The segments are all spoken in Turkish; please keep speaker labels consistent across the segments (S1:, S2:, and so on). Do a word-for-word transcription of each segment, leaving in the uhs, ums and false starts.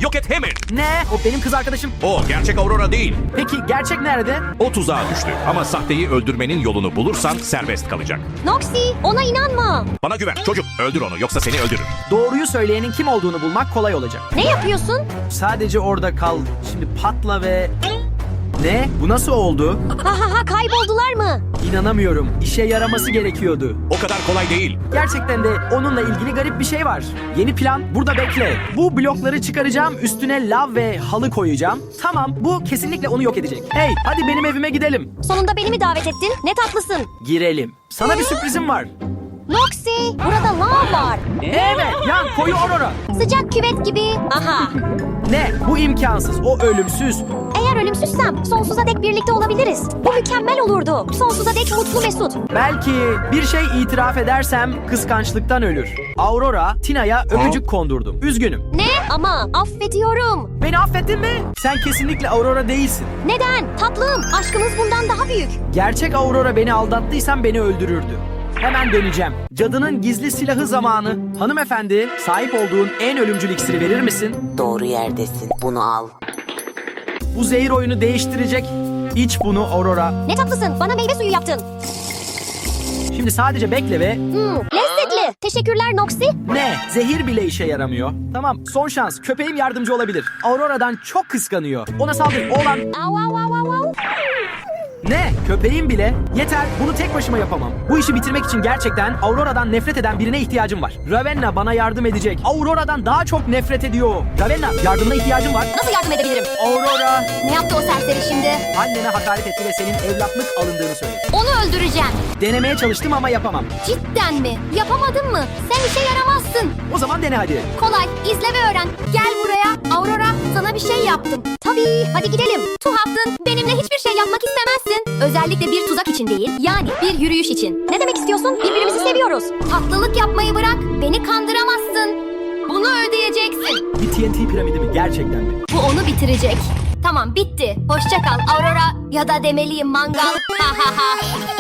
S1: Yok et hemen.
S2: Ne? O benim kız arkadaşım.
S1: O gerçek Aurora değil.
S2: Peki gerçek nerede?
S1: O tuzağa düştü. Ama sahteyi öldürmenin yolunu bulursan serbest kalacak.
S3: Noxy, ona inanma.
S1: Bana güven çocuk. Öldür onu yoksa seni öldürür.
S2: Doğruyu söyleyenin kim olduğunu bulmak kolay olacak.
S3: Ne yapıyorsun?
S2: Sadece orada kal. Şimdi patla ve... Ne? Bu nasıl oldu?
S3: Ha ha ha, kayboldular mı?
S2: İnanamıyorum. İşe yaraması gerekiyordu.
S1: O kadar kolay değil.
S2: Gerçekten de onunla ilgili garip bir şey var. Yeni plan burada bekle. Bu blokları çıkaracağım, üstüne lav ve halı koyacağım. Tamam, bu kesinlikle onu yok edecek. Hey, hadi benim evime gidelim.
S3: Sonunda beni mi davet ettin? Ne tatlısın.
S2: Girelim. Sana bir sürprizim var.
S3: Noxy, burada lav var.
S2: Evet, yan koyu Aurora.
S3: Sıcak küvet gibi. Aha.
S2: Ne? Bu imkansız. O ölümsüz.
S3: Eğer ölümsüzsem sonsuza dek birlikte olabiliriz. Bu mükemmel olurdu. Sonsuza dek mutlu mesut.
S2: Belki bir şey itiraf edersem kıskançlıktan ölür. Aurora, Tina'ya öpücük kondurdum. Üzgünüm.
S3: Ne? Ama affediyorum.
S2: Beni affettin mi? Sen kesinlikle Aurora değilsin.
S3: Neden? Tatlım, aşkımız bundan daha büyük.
S2: Gerçek Aurora beni aldattıysan beni öldürürdü. Hemen döneceğim. Cadının gizli silahı zamanı. Hanımefendi, sahip olduğun en ölümcül iksiri verir misin?
S4: Doğru yerdesin. Bunu al.
S2: Bu zehir oyunu değiştirecek. İç bunu Aurora.
S3: Ne tatlısın, bana meyve suyu yaptın.
S2: Şimdi sadece bekle ve...
S3: Hmm, lezzetli. Teşekkürler Noxy.
S2: Ne? Zehir bile işe yaramıyor. Tamam, son şans. Köpeğim yardımcı olabilir. Aurora'dan çok kıskanıyor. Ona saldır. Oğlan...
S3: Au au au au au.
S2: Ne? Köpeğim bile? Yeter, bunu tek başıma yapamam. Bu işi bitirmek için gerçekten Aurora'dan nefret eden birine ihtiyacım var. Ravenna bana yardım edecek. Aurora'dan daha çok nefret ediyor. Ravenna, yardımına ihtiyacım var.
S3: Nasıl yardım edebilirim?
S2: Aurora,
S3: Ne yaptı o serseri şimdi?
S2: annene hakaret etti ve senin evlatlık alındığını söyledi.
S3: Onu öldüreceğim.
S2: Denemeye çalıştım ama yapamam.
S3: Cidden mi? Yapamadın mı? Sen işe yaramazsın.
S2: O zaman dene hadi.
S3: Kolay, izle ve öğren. Gel buraya. Aurora, sana bir şey yaptım. Tabii, hadi gidelim. Tuhaftın, benimle hiçbir şey yapmak istemezsin. Özellikle bir tuzak için değil, yani bir yürüyüş için. Ne demek istiyorsun? Birbirimizi seviyoruz. Tatlılık yapmayı bırak, beni kandıramazsın. Bunu ödeyeceksin.
S2: Bir T N T piramidi mi? Gerçekten mi?
S3: Bu onu bitirecek. Tamam, bitti. Hoşça kal Aurora, ya da demeliyim mangal. Ha ha ha.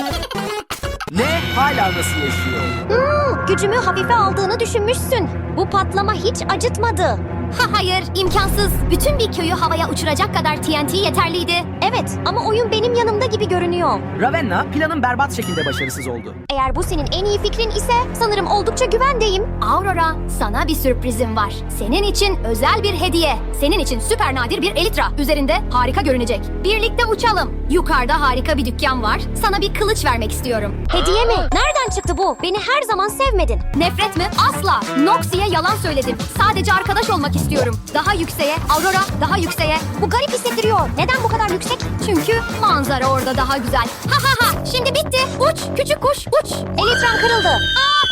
S2: Ne? Hala nasıl yaşıyor?
S3: Hmm, gücümü hafife aldığını düşünmüşsün. Bu patlama hiç acıtmadı. Ha hayır, imkansız. Bütün bir köyü havaya uçuracak kadar T N T yeterliydi. Evet, ama oyun benim yanımda gibi görünüyor.
S2: Ravenna, planın berbat şekilde başarısız oldu.
S3: Eğer bu senin en iyi fikrin ise sanırım oldukça güvendeyim. Aurora, sana bir sürprizim var. Senin için özel bir hediye. Senin için süper nadir bir elitra. Üzerinde harika görünecek. Birlikte uçalım. Yukarıda harika bir dükkan var. Sana bir kılıç vermek istiyorum. Hediye mi? Nereden çıktı bu? Beni her zaman sevmedin. Nefret mi? Asla. Noxy'ye yalan söyledim. Sadece arkadaş olmak istiyorum. Daha yükseğe, Aurora, daha yükseğe. Bu garip hissettiriyor. Neden bu kadar yüksek? Çünkü manzara orada daha güzel. Ha ha ha. Şimdi bitti. Uç, küçük kuş, uç. Elitran kırıldı. Aa!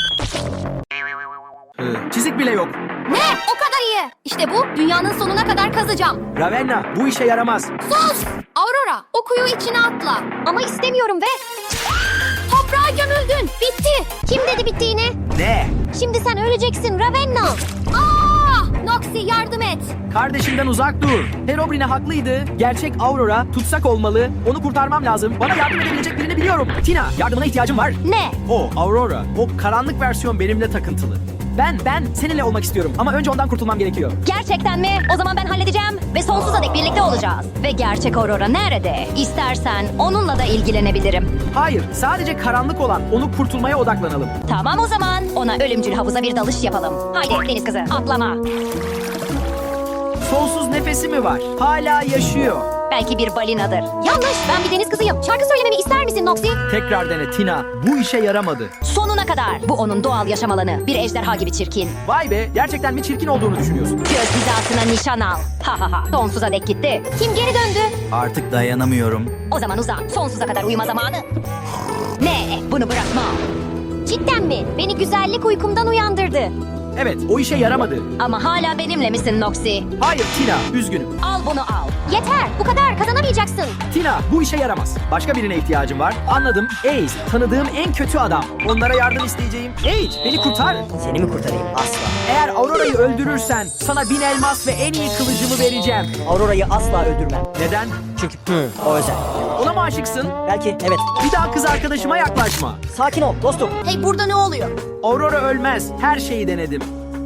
S2: Ee, çizik bile yok.
S3: Ne? O kadar iyi. İşte bu. Dünyanın sonuna kadar kazacağım.
S2: Ravenna, bu işe yaramaz.
S3: Sus! Aurora, o kuyu içine atla. Ama istemiyorum ve... Toprağa gömüldün. Bitti. Kim dedi bittiğini?
S2: Ne?
S3: Şimdi sen öleceksin Ravenna. Aa! Noxy yardım et.
S2: Kardeşimden uzak dur. Herobrine haklıydı. Gerçek Aurora tutsak olmalı. Onu kurtarmam lazım. Bana yardım edebilecek birini biliyorum. Tina, yardımına ihtiyacım var.
S3: Ne?
S2: O, Aurora. O karanlık versiyon benimle takıntılı. Ben, ben seninle olmak istiyorum. Ama önce ondan kurtulmam gerekiyor.
S5: Gerçekten mi? O zaman ben halledeceğim ve sonsuza dek birlikte olacağız. Ve gerçek Aurora nerede? İstersen onunla da ilgilenebilirim.
S2: Hayır, sadece karanlık olan. Onu kurtulmaya odaklanalım.
S5: Tamam o zaman. Ona ölümcül havuza bir dalış yapalım. Haydi deniz kızı atlama.
S2: Sonsuz nefesi mi var? Hala yaşıyor.
S5: Belki bir balinadır.
S3: Yanlış. Ben bir deniz kızıyım. Şarkı söylememi ister misin Noxy?
S2: Tekrar dene Tina. Bu işe yaramadı.
S5: Sonuna kadar. Bu onun doğal yaşam alanı. Bir ejderha gibi çirkin.
S2: Vay be, gerçekten mi çirkin olduğunu düşünüyorsun?
S5: Göz hizasına nişan al. Ha ha ha. Sonsuza dek gitti.
S3: Kim geri döndü?
S2: Artık dayanamıyorum.
S5: O zaman uzan. Sonsuza kadar uyuma zamanı. Ne? Bunu bırakma.
S3: Cidden mi? Beni güzellik uykumdan uyandırdı.
S2: Evet, o işe yaramadı.
S5: Ama hala benimle misin Noxy?
S2: Hayır Tina, üzgünüm.
S5: Al bunu al.
S3: Yeter. Bu kadar. Kazanamayacaksın.
S2: Tina, bu işe yaramaz. Başka birine ihtiyacım var. Anladım. Ace, tanıdığım en kötü adam. Onlara yardım isteyeceğim. Ace, beni kurtar.
S4: Seni mi kurtarayım? Asla.
S2: Eğer Aurora'yı öldürürsen sana bin elmas ve en iyi kılıcımı vereceğim.
S6: Aurora'yı asla öldürmem.
S2: Neden?
S6: Çünkü hı, o özel.
S2: Ona mı aşıksın?
S6: Belki evet.
S2: Bir daha kız arkadaşıma yaklaşma.
S6: Sakin ol dostum.
S3: Hey burada ne oluyor?
S2: Aurora ölmez. Her şeyi denedim.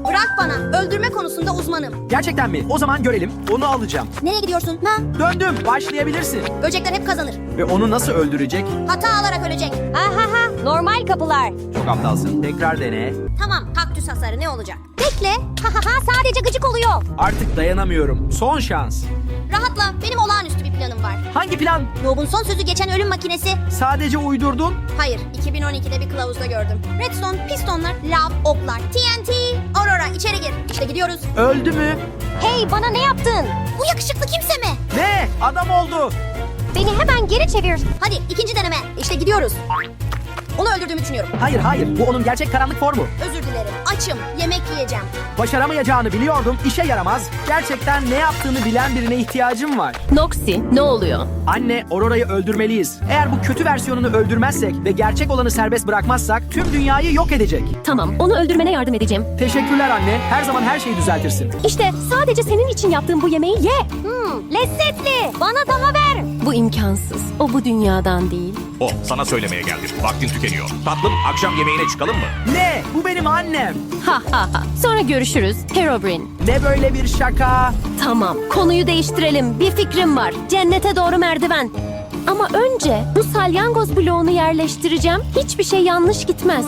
S3: Bırak bana. Öldürme konusunda uzmanım.
S2: Gerçekten mi? O zaman görelim. Onu alacağım.
S3: Nereye gidiyorsun? Ha?
S2: Döndüm. Başlayabilirsin.
S3: Böcekler hep kazanır.
S2: Ve onu nasıl öldürecek?
S3: Hata alarak ölecek.
S5: Ha ha ha. Normal kapılar.
S2: Çok aptalsın. Tekrar dene.
S3: Tamam, kaktüs hasarı ne olacak? Bekle. Ha ha ha, sadece gıcık oluyor.
S2: Artık dayanamıyorum. Son şans.
S3: Rahatla, benim olağanüstü bir planım var.
S2: Hangi plan?
S3: Noob'un son sözü geçen ölüm makinesi.
S2: Sadece uydurdun.
S3: Hayır, iki bin on ikide bir kılavuzda gördüm. Redstone, pistonlar, lav, oklar, T N T. Aurora içeri gir. İşte gidiyoruz.
S2: Öldü mü?
S3: Hey, bana ne yaptın? Bu yakışıklı kimse mi?
S2: Ne? Adam oldu.
S3: Beni hemen geri çevir. Hadi ikinci deneme. İşte gidiyoruz. Onu öldürdüğümü düşünüyorum.
S2: Hayır hayır. Bu onun gerçek karanlık formu.
S3: Özür dilerim. Açım. Yemek yiyeceğim.
S2: Başaramayacağını biliyordum. İşe yaramaz. Gerçekten ne yaptığını bilen birine ihtiyacım var.
S7: Noxy, ne oluyor?
S2: Anne, Aurora'yı öldürmeliyiz. Eğer bu kötü versiyonunu öldürmezsek ve gerçek olanı serbest bırakmazsak tüm dünyayı yok edecek.
S7: Tamam, onu öldürmene yardım edeceğim.
S2: Teşekkürler anne. Her zaman her şeyi düzeltirsin.
S7: İşte sadece senin için yaptığım bu yemeği ye.
S3: Hmm, lezzetli. Bana daha ver.
S7: Bu imkansız. O bu dünyadan değil.
S1: O sana söylemeye geldim. Vaktin tükeniyor. Tatlım akşam yemeğine çıkalım mı?
S2: Ne? Bu benim annem.
S7: Ha ha ha. Sonra görüşürüz. Herobrine.
S2: Ne böyle bir şaka?
S7: Tamam, konuyu değiştirelim. Bir fikrim var. Cennete doğru merdiven. Ama önce bu salyangoz bloğunu yerleştireceğim. Hiçbir şey yanlış gitmez.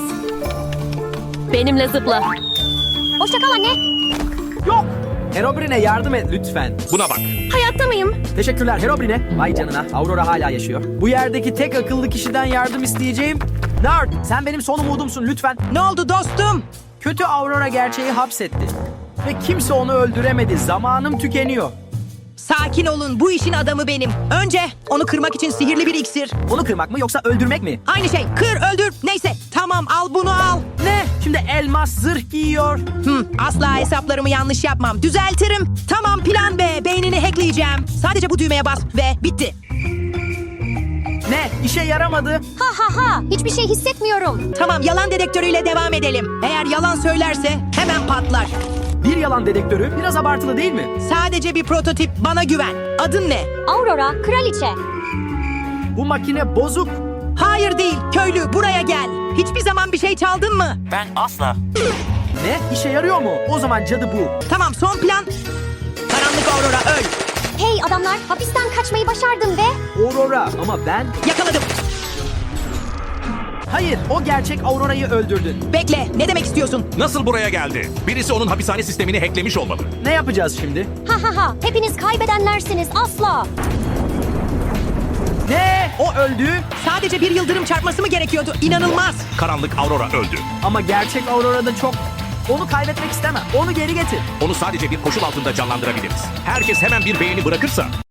S7: Benimle zıpla.
S3: Hoşça kal anne.
S2: Yok. Herobrine yardım et lütfen.
S1: Buna bak.
S7: Hayatta mıyım?
S2: Teşekkürler Herobrine. Vay canına. Aurora hala yaşıyor. Bu yerdeki tek akıllı kişiden yardım isteyeceğim. Nerd, sen benim son umudumsun lütfen.
S8: Ne oldu dostum?
S2: Kötü Aurora gerçeği hapsetti. Ve kimse onu öldüremedi. Zamanım tükeniyor.
S8: Sakin olun, bu işin adamı benim. Önce onu kırmak için sihirli bir iksir.
S2: Onu kırmak mı yoksa öldürmek mi?
S8: Aynı şey, kır, öldür, neyse. Tamam, al bunu al.
S2: Ne? Şimdi elmas zırh giyiyor.
S8: Hı, asla hesaplarımı yanlış yapmam. Düzeltirim. Tamam, plan B. Beynini hackleyeceğim. Sadece bu düğmeye bas ve bitti.
S2: Ne? İşe yaramadı.
S3: Ha ha ha. Hiçbir şey hissetmiyorum.
S8: Tamam, yalan dedektörüyle devam edelim. Eğer yalan söylerse hemen patlar.
S2: Bir yalan dedektörü biraz abartılı değil mi?
S8: Sadece bir prototip, bana güven. Adın ne?
S3: Aurora, kraliçe.
S2: Bu makine bozuk.
S8: Hayır değil, köylü, buraya gel. Hiçbir zaman bir şey çaldın mı?
S2: Ne? İşe yarıyor mu? O zaman cadı bu.
S8: Tamam, son plan. Karanlık Aurora, öl.
S3: Hey adamlar, hapisten kaçmayı başardım ve...
S2: Aurora ama ben...
S8: Yakaladım.
S2: Hayır, o gerçek Aurora'yı öldürdün.
S8: Bekle, ne demek istiyorsun?
S1: Nasıl buraya geldi? Birisi onun hapishane sistemini hacklemiş olmalı.
S2: Ne yapacağız şimdi?
S3: Ha ha ha. Hepiniz kaybedenlersiniz asla.
S2: Ne? O öldü
S8: Sadece bir yıldırım çarpması mı gerekiyordu? İnanılmaz.
S1: Karanlık Aurora öldü.
S2: ama gerçek Aurora'da çok... Onu kaybetmek istemem. Onu geri getir.
S1: Onu sadece bir koşul altında canlandırabiliriz. Herkes hemen bir beğeni bırakırsa